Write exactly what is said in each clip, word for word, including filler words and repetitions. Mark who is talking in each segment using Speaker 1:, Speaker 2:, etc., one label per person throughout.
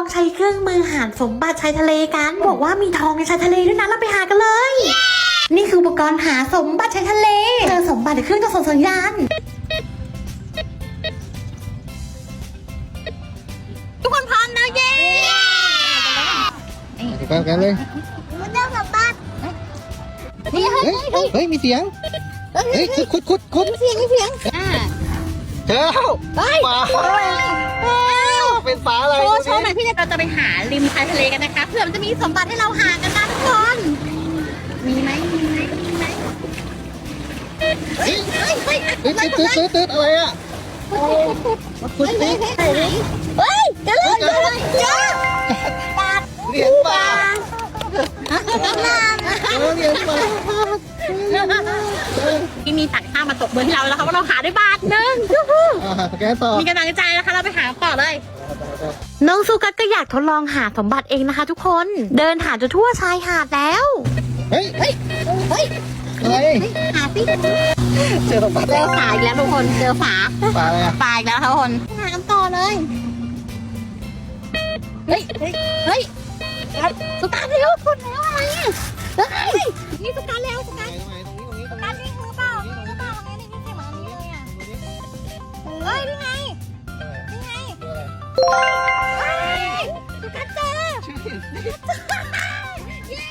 Speaker 1: ใช้เครื่องมือหาสมบัติชายทะเลกันบอกว่ามีทองในชายทะเลด้วยนะเราไปหากันเลย นี่คืออุปกรณ์หาสมบัติชายทะเลเจอสมบัติในเครื่องกระส่งสัญญาณทุกคนพร้อมนะเย้
Speaker 2: ไปกันกันเลย
Speaker 1: มันเริ่มสมบัติเฮ้ย
Speaker 2: เฮ้ยเฮ้ยมีเสียงเฮ้ยคุดคุดคุด
Speaker 1: มีเสียงมีเสียงอ่า
Speaker 2: เจอแล้วปลาเป็นปลาอะไร
Speaker 1: โชว์โชว์หน่อยพี่เราจะไปหาริมชายทะเลกันนะคะเพื่อมันจะมีสมบัติให้เราหากันนะทุกคนมีไหมมีไหมมีไหมเฮ้ยเฮ้ยเฮ้ย
Speaker 2: ตืดตืดตืดตืดอะไรอ่ะคุดติ๊ก
Speaker 1: เฮ้ยเจอเลยเจอเลยเจอปลา
Speaker 2: เหรียญปลาเออเหรียญปลา
Speaker 1: ที่มีต่างชาติมาตกเบอร์ที่เราแล้วค่ะว่าเราหาได้บาทหนึ่ง
Speaker 2: อ่าสแกนต่อ
Speaker 1: มีกำลังใจนะคะเราไปหาต่อเลยน้องซูกัสก็อยากทดลองหาสมบัติเองนะคะทุกคนเดินหาจนทั่วชายหาดแล้ว
Speaker 2: เฮ้ย
Speaker 1: เฮ้ยเฮ้ย
Speaker 2: อะไร
Speaker 1: หาสิ
Speaker 2: เจอสมบัติ
Speaker 1: เจอฝาอีกแล้วทุกคนเจอฝา
Speaker 2: ปลาอะไรอ่ะ
Speaker 1: ฝาอีกแล้วทุกคนหากันต่อเลยเฮ้ยเฮ้ยเฮ้ยสุกัสเร็วคุณแล้วอะไรอ่ะเฮ้ยนี่สุกัสเร็วสุกัส
Speaker 2: ตรงไหนตรงนี้ตรงนี้ตรง
Speaker 1: การ
Speaker 2: นี้
Speaker 1: วิ่งมือเปล่ามือเปล่าไงนี่พี่เข็มอันนี้เลยอ่ะเฮ้ยนี่ไงนี่ไงเฮ้ยสุกัสเจอเย้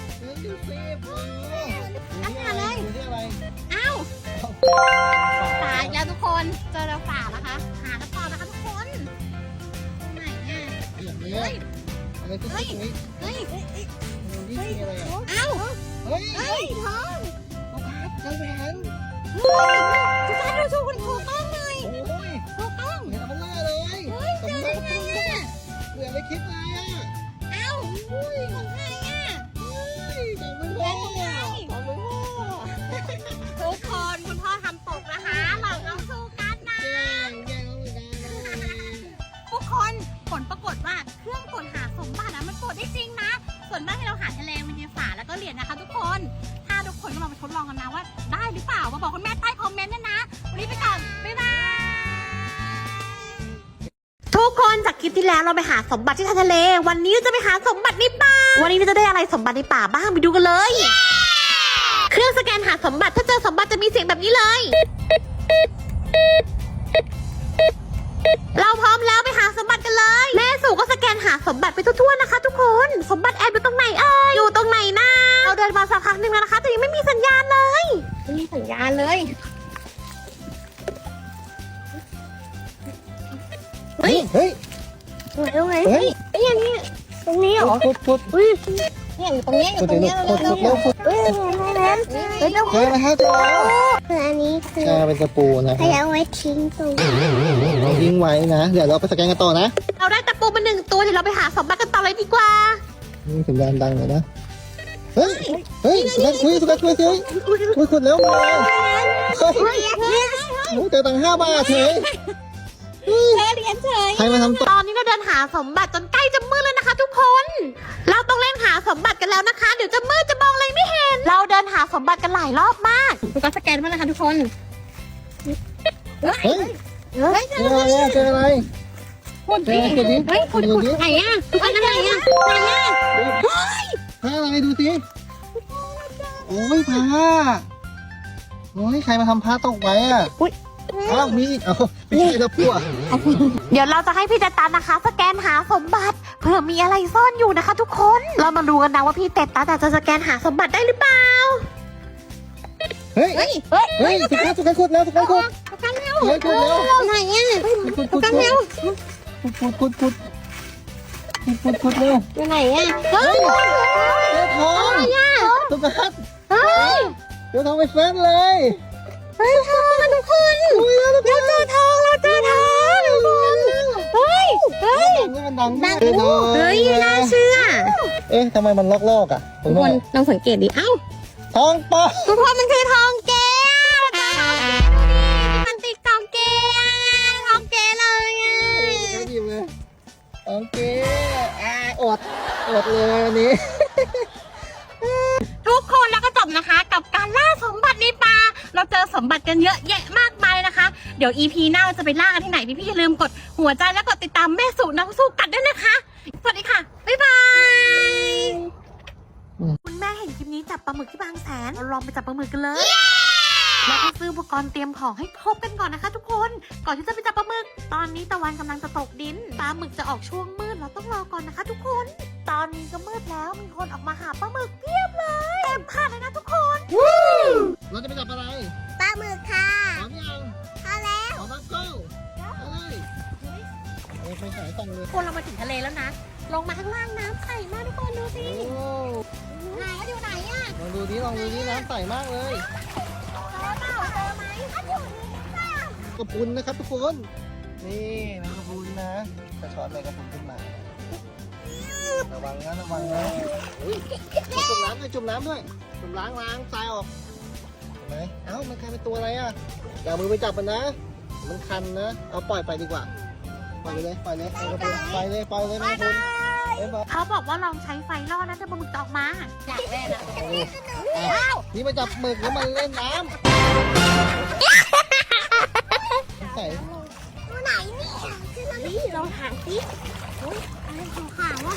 Speaker 1: อันนี้อะไรอ้าวฝาอีกแล้วทุกคนเจอแล้วฝาแล้วคะหากันต่อนะคะทุกคนตรงไหนอ่ะ
Speaker 2: เฮ้ยอะไรตุ๊กตุ๊กนี้
Speaker 1: เฮ้ย
Speaker 2: นี่มีอะไรอ่ะ
Speaker 1: อ้าว
Speaker 2: เฮ้ย
Speaker 1: เฮ้ยทอง
Speaker 2: เจ้าแหวน
Speaker 1: เฮ้ยสุกัสดูชูคุณถูกต้องหน่อย
Speaker 2: โอ้ย
Speaker 1: ถูกต้อง
Speaker 2: เห็นเอาหน้าเลย
Speaker 1: เฮ้ยเจอได้ไงอ่ะ
Speaker 2: เหลือไม่คิดเลยอ่ะ
Speaker 1: เอ้าอุ้ยของใครอ่ะ
Speaker 2: จับมือ
Speaker 1: แล้
Speaker 2: พ่อ
Speaker 1: วของใคร
Speaker 2: จับมือพ่อ
Speaker 1: ทุกคนคุณพ่อทำตกนะคะเราต้องสู้กันนะ
Speaker 2: แย่งแย่งเอาเหมือนกันเลย
Speaker 1: ทุกคนผลปรากฏว่าเครื่องตรวจหาสมบัตินะมันตรวจได้จริงนะ ส่วนมากที่เราหาทะเลมันมีฝาแล้วก็เหรียญนะคะ ทุกคนถ้าทุกคนก็ลองไปทดลองกันนะว่าได้หรือเปล่ามาบอกคุณแม่ใต้คอมเมนต์ด้วยนะวันนี้ไปก่อนบ๊ายบายทุกคนจากคลิปที่แล้วเราไปหาสมบัติที่ทะเลวันนี้เราจะไปหาสมบัติในป่าวันนี้เราจะได้อะไรสมบัติในป่าบ้างไปดูกันเลย เครื่องสแกนหาสมบัติถ้าเจอสมบัติจะมีเสียงแบบนี้เลย เราพร้อมแล้วไปหาสมบัติกันเลยแม่สู่ก็สแกนหาสมบัติไปทั่วๆนะคะ ทุกคนสมบัติแอบอยู่ตรงไหนเอ่ยอยู่ตรงไหนนะเราเดินมาสักพักหนึ่งแล้วนะคะแต่ยังไม่มีสัญญาณเลยไม่มีสัญญาณเลย
Speaker 2: เฮ้ยเฮ้ย
Speaker 1: ตรงไหนตรงไหน
Speaker 2: เฮ้ย
Speaker 1: ไอ้ยนี่ตรงนี้เหรอ
Speaker 2: พุดพุด
Speaker 1: อุ้ยเนี่ยอยู่ตรงนี้อยู่ตรงนี้
Speaker 2: พุดพุดแล้วพุด
Speaker 1: เฮ้ยแม่เฮ้ยเจ้า
Speaker 2: เจอแล้วครับเจอแล้ว
Speaker 3: คืออันนี้คือ
Speaker 2: ใช่เป็นตะปูนะค
Speaker 3: ให้
Speaker 2: รับ
Speaker 3: เอาไว้ทิ้งตรง
Speaker 2: เราทิ้งไว้นะ เดี๋ยวเราไปสแกนกันต่อนะ
Speaker 1: เราได้ตะปูมาหนึ่งตัวเดี๋ยวเราไปหาสมบัติกันต่อเลยดีกว่า
Speaker 2: นี่สัญญาณดังเลยนะ เฮ้ย เฮ้ยสุกัดคุยสุกัดคุยคุยคุยขุดแล้วมาเฮ้ย
Speaker 1: เฮ้ยเฮ้ย
Speaker 2: โอ้เจอตังค์ห้าบาทเฉย
Speaker 1: เฉยเหรียญเฉย
Speaker 2: ใครมาทำต่อ
Speaker 1: ตอนนี้เราเดินหาสมบัติจนใกล้จะมืดแล้วนะคะ ทุกคน เราต้องเล่นหาสมบัติกันแล้วนะคะ เดี๋ยวจะมืดจะมองอะไรไม่เห็น เราเดินหาสมบัติกันหลายรอบมากดูการสแกนมาแล้วค่ะทุกคน
Speaker 2: เฮ้ย
Speaker 1: เฮ้ย
Speaker 2: เจออะไรอะเจออะไร
Speaker 1: ขุดดิ
Speaker 2: เจอขุดดิ
Speaker 1: เฮ้ยขุดขุดไหนอ่ะทุกคนไหนอ่ะไหนอ่ะ
Speaker 2: ผ้าอะไรดูสิโอ้ยผ้าโอ้ยใครมาทำผ้าตกไว้อะอ้าวมีอีกเอ้าไม่ใช่ตะกั่ว
Speaker 1: เดี๋ยวเราจะให้พี่เตตันนะคะ สแกนหาสมบัติเผื่อมีอะไรซ่อนอยู่นะคะ ทุกคน เรามาดูกันนะว่าพี่เตตันจะสแกนหาสมบัติได้หรือเปล่า
Speaker 2: เฮ้ย
Speaker 1: เฮ้ยเฮ้ย
Speaker 2: เฮ้ยสุกัดสุกัดขุดแล้วสุกัดขุด
Speaker 1: สแกนเร็ว
Speaker 2: เฮ้ยขุดแล้ว
Speaker 1: ไหนอ่ะ
Speaker 2: ขุด
Speaker 1: ส
Speaker 2: ขุด
Speaker 1: แกนเร็ว
Speaker 2: ขุดขุดขุดขุดขุดขุดเร็ว
Speaker 1: อยู่ไหนอ่ะเฮ้ย
Speaker 2: เจอทอง
Speaker 1: อะไรอ่ะ
Speaker 2: สุกัด
Speaker 1: เฮ้ย
Speaker 2: เจอทองไปแฟนเลย
Speaker 1: เฮ้ยทองอะทุกคนเราเจอทองเราเจอทองทุกคนเฮ้ยเฮ้ย
Speaker 2: นี่มันดังมากเลยทอง
Speaker 1: เฮ้ยน่าเชื่อ
Speaker 2: เอ๊ะทำไมมันลอกๆอ่ะ
Speaker 1: ทุกคนลองสังเกตดิเอ้า
Speaker 2: ทองปะ
Speaker 1: ทุกคนมันคือทองแก้วทองแก้วมันติดทองแก้วทองแก้วเลยอ่ะ
Speaker 2: เขาหยิบเลยโอเคอ่าอดอดเลยวันนี้
Speaker 1: ทุกคนแล้วก็จบนะคะ กับการล่าสมบัติในป่าเราเจอสมบัติกันเยอะแยะมากมายนะคะเดี๋ยว อี พี หน้าเราจะไปล่ากันที่ไหนพี่ๆอย่าลืมกดหัวใจและกดติดตามแม่สู่น้องสู้กัดด้วยนะคะสวัสดีค่ะ บ๊ายบายคุณแม่เห็นคลิปนี้จับปลาหมึกที่บางแสนเราลองไปจับปลาหมึกกันเลยเราต้องซื้ออุปกรณ์เตรียมของให้ครบกันก่อนนะคะ ทุกคนก่อนที่จะไปจับปลาหมึกตอนนี้ตะวันกำลังจะตกดินปลาหมึกจะออกช่วงมืดเราต้องรอก่อนนะคะ ทุกคน ตอนนี้ก็มืดแล้วมีคนออกมาหาปลาหมึกเพียบเลยเต็มค่ะเลยนะทุกคน
Speaker 2: เราจะไปจับอะไร
Speaker 3: ปลาหมึกค่ะ
Speaker 2: พร้อมยัง
Speaker 3: พอแล้ว
Speaker 2: พร้อมแล้วgoไปเลยเอ้ยไปสายส่องเลย
Speaker 1: คนเรามาถึงทะเลแล้วนะลงมาข้างล่างน้ำใสมากทุกคนดูสิ
Speaker 2: โอ้
Speaker 1: ไหนอะอยู่ไหนอะ
Speaker 2: ลองดูดิลองดูดิน้ำใสมากเลย
Speaker 1: เจอเปล่าเจอไหมอะอยู่นี่ค่ะ
Speaker 2: กระพุนนะครับทุกคน นี่น้ำกระพุนนะจะช้อนอะไรกระพุนขึ้นมา ระวังนะระวังนะอุ๊ยจุ่มน้ำด้วยจุ่มน้ำด้วยจุ่มล้างล้างทรายออกเห็นไหมเอ้ามันกลายเป็นตัวอะไรอ่ะอย่าเอามือไปจับมันนะ มันคันนะ เอาปล่อยไปดีกว่า ปล่อยไปเลยปล่อยเลยปล่อยกระพุนปล่อยเลยปล่อยเลยแม่กระพุนเอ้ยบอก
Speaker 1: เขาบอกว่าลองใช้ไฟล่อแล้วจะปลาหมึกจะออกมาอยากแน่นะ
Speaker 2: เอาดิอ่ะนี่มาจับหมึกแล้วมันเล่นน้ำใส่
Speaker 3: ตัวไหนเนี่ยคือมัน
Speaker 1: นี่ลองหางสิอุ้ยอะไรขาวๆวะ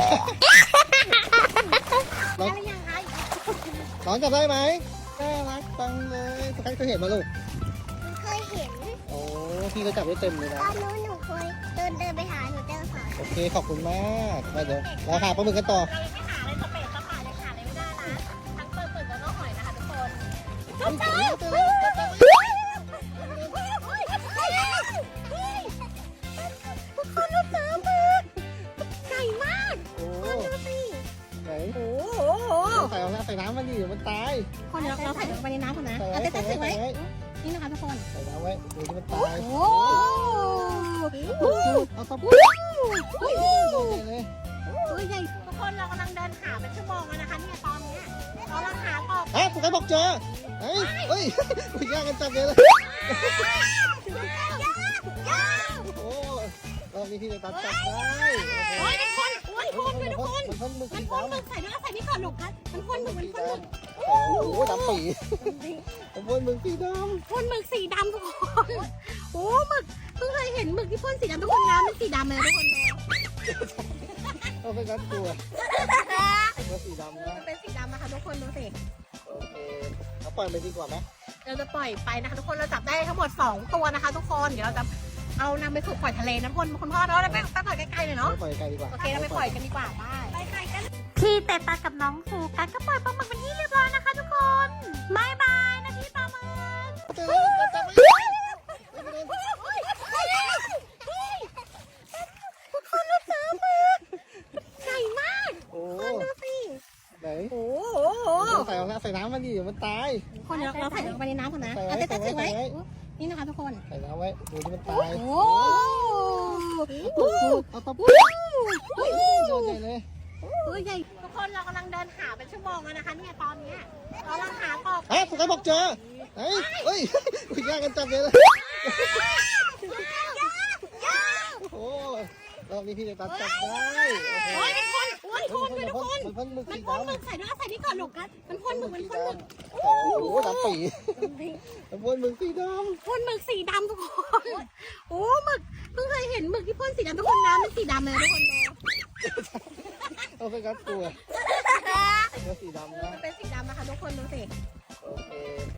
Speaker 2: น้อง
Speaker 1: อะไรยังไง
Speaker 2: น้องจับได้ไหมน่ารักจังเลยสกัดเคยเห็นมาลูก
Speaker 3: มันเคยเห็น
Speaker 2: โอ้พี่ก็จับได้เต็มเลย
Speaker 3: ต
Speaker 2: นะ
Speaker 3: อนนู้นหนูเคยเดินเดินไปหาหนูเจอสอน
Speaker 2: โอเคขอบคุณมากไปเดี๋ยวเราหาปลาหมึกกันต่อ
Speaker 1: เรายังไม่หาอะไรสเปซสปาเลยหาอะไรไม่ได้นะทั้งเปิดเปิดแล้วก็หอยนะคะทุกคน
Speaker 2: เฮ้ยเจอแล้วเจอแล้ว
Speaker 1: ทุกคนเราเจอหมึกใหญ่มาก
Speaker 2: โอ้
Speaker 1: ดูสิ
Speaker 2: ไหน
Speaker 1: โอ้โห
Speaker 2: ใส่เอาน้ำใส่น้ำมันดิเดี๋ยวมันตาย
Speaker 1: คนเดี๋ยวเราใส่ลงไปในน้ำก่อนนะ
Speaker 2: ใส่
Speaker 1: เอา
Speaker 2: ไว้
Speaker 1: เต้
Speaker 2: ใส่
Speaker 1: น
Speaker 2: ไว้
Speaker 1: ๆ
Speaker 2: ใส่
Speaker 1: ไว้
Speaker 2: ไว้
Speaker 1: นี่นะคะทุกคน
Speaker 2: ใส่น้ำไว้เดี๋ยวมันตาย
Speaker 1: โอ้
Speaker 2: โอ้เอาตะปู
Speaker 1: โห
Speaker 2: เลย
Speaker 1: ตัวใหญ่ทุกคนเรากำลังเดินหาเป็นชั่วโมงแล้วนะคะเนี่ยตอนเนี้ยเรากำลังหากบ
Speaker 2: ฮะสุกัยบอกเจอเฮ้ยเฮ้ยคุยยากกันจังเลยเลยโอ้รอบนี้พี่เลยตัดจับได้
Speaker 1: โอ้ยทุกคนโอ้ยทุกคนทุกคน
Speaker 2: มันพ่นมึก
Speaker 1: มั
Speaker 2: สี
Speaker 1: นพ่นหมึ
Speaker 2: ดำ
Speaker 1: กใส่ด้วยใส่นี่ก่อนหนุกครับมันพ่นหมึกมันพ่นหมึก
Speaker 2: โอ้โหดำปีมันพ่นมึกสีด
Speaker 1: พ่นหมึกสีดำทุกคนโอ้หมึกเพิ่งเคยเห็นหมึกที่พ่นสีดำทุกคนน้ำมันสีดำเลยทุกคนเลย
Speaker 2: ำเอาไปกัดตัวตัวสีดำนะ
Speaker 1: มันเป็นสีดำนะคะทุกคนดูสิ
Speaker 2: โอเคเอาปล่อยไปดีกว่าไหม
Speaker 1: เราจะปล่อยไปนะคะทุกคนเราจับได้ทั้งหมดสองตัวนะคะ ทุกคนเดี๋ยวเราจะเอานำไปฝึกปล่อยทะเลนะคุณคุณพ่อเนาะไปไปปล่อยใกล้ๆเลยเนาะ
Speaker 2: ปล่อยไกลดีกว่า
Speaker 1: โอเคเราไปปล่อยกันดีกว่าไปไปกันพี่เตตากับน้องฟูกันก็ปล่อยปลาหมึกเป็นที่เรียบร้อยนะคะทุกคนบายบายนะพี่ปลาหมึก
Speaker 2: เจอแล้วจับไป
Speaker 1: ทุกคนเราเจอหมึกใหญ่มาก
Speaker 2: โอ้
Speaker 1: ดูสิ
Speaker 2: ไหน
Speaker 1: โอ้โห
Speaker 2: ใส่เอาน้ำใส่น้ำมันดิเดี๋ยวมันตาย
Speaker 1: คนเดี๋ยวเราใส่ลงไปในน้ำก่อนนะ
Speaker 2: ใส่ไว้
Speaker 1: เอาเต้นๆ
Speaker 2: ใส่
Speaker 1: ใส่
Speaker 2: ไว้
Speaker 1: ไว้
Speaker 2: ใส่ไว้
Speaker 1: นี่นะคะทุกคน
Speaker 2: ใส่น้ำไว้ดูที่มันตาย
Speaker 1: โอ้
Speaker 2: โอ้โหเอาตะปูโดนใหญ่เลย
Speaker 1: ตัวใหญ่ทุกคนเรากำลังเดินหาเป็นชั่วโมงแล้วนะคะเนี่ยตอนเนี้ยเรากำลังหากบ
Speaker 2: ฮะสุกัยบอกเจอเฮ้ยเฮ้ยคุยยากกันจังเลยเลยโอ้รอบนี้พี่เลยตัดจับได้
Speaker 1: โอ้ยทุกคนโอ้ยทุกคนทุกคน
Speaker 2: มันพ่นมึก
Speaker 1: มัน
Speaker 2: สี
Speaker 1: พ่นหมึ
Speaker 2: ดำ
Speaker 1: กใส่ด้วยใส่นี่ก่อนหนุกกันมันพ่นหมึกมันพ่นหมึก
Speaker 2: โอ้โหดำปีมันพ่นมึกสีดำ
Speaker 1: พ่นหมึกสีดำทุกคนโอ้หมึกเพิ่งเคยเห็นหมึกที่พ่นสีดำทุกคนน้ำมันสีดำเลยทุกคนดู
Speaker 2: เอาไปกัดตัวตัวสีดำนะ
Speaker 1: มันเป็นสีดำนะคะทุกคนดูสิ
Speaker 2: โอเค